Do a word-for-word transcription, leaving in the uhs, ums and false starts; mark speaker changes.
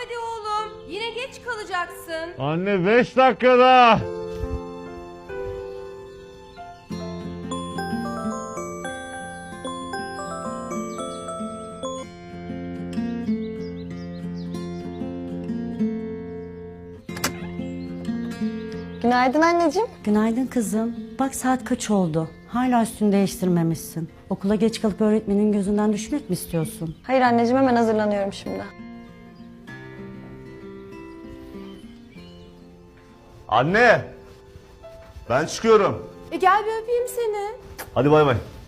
Speaker 1: hadi oğlum. Yine geç kalacaksın.
Speaker 2: Anne beş dakikada.
Speaker 3: Günaydın anneciğim.
Speaker 4: Günaydın kızım. Bak saat kaç oldu? Hala üstünü değiştirmemişsin. Okula geç kalıp öğretmenin gözünden düşmek mi istiyorsun?
Speaker 3: Hayır anneciğim, hemen hazırlanıyorum şimdi.
Speaker 2: Anne. Ben çıkıyorum.
Speaker 1: E gel bir öpeyim seni.
Speaker 2: Hadi bay bay.